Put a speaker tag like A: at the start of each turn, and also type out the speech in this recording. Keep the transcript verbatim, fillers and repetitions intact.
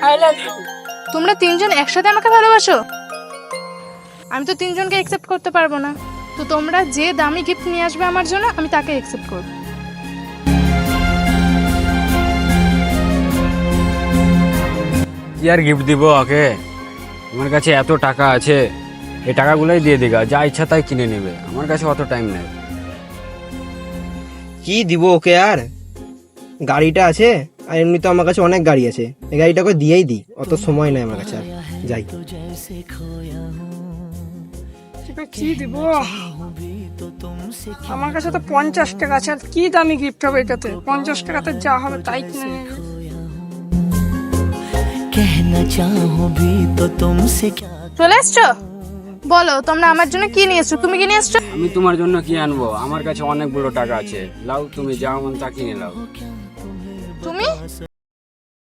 A: I love you.
B: তোমরা তিনজন একসাথে আমাকে ভালোবাসো? আমি তো তিনজনকে অ্যাকসেপ্ট করতে পারবো না। তো তোমরা যে দামি গিফট নিয়ে আসবে আমার জন্য, আমি তাকে অ্যাকসেপ্ট করব।
C: কি আর গিফট দিব ওকে? আমার কাছে এত টাকা আছে, এই টাকাগুলোই দিয়ে দিগা, যা ইচ্ছা তাই কিনে নেবে। আমার কাছে অত টাইম নেই।
D: কি দিব ওকে আর? গাড়িটা আছে, আর এমনি তো আমার কাছে অনেক গাড়ি আছে, এই গাড়িটাকে দিয়েই দিই, অত সময় নেই আমার কাছে আর। যাই।
A: তোকে কি দিব? আমার কাছে তো পঞ্চাশ টাকা আছে, আর কি দামি গিফট হবে এটাতে? পঞ্চাশ টাকাতে যা হবে তাই কিনে নেবে।
E: कहना चाहूं भी तो तुमसे क्या।
B: চলে এসছো? বলো তোমরা আমার জন্য কি নিয়ে এসছো? তুমি কি নিয়ে এসছো?
C: আমি তোমার জন্য কি আনবো? আমার কাছে অনেকগুলো টাকা আছে, লাও তুমি যা মন তা কিনে লাও।
B: তুমি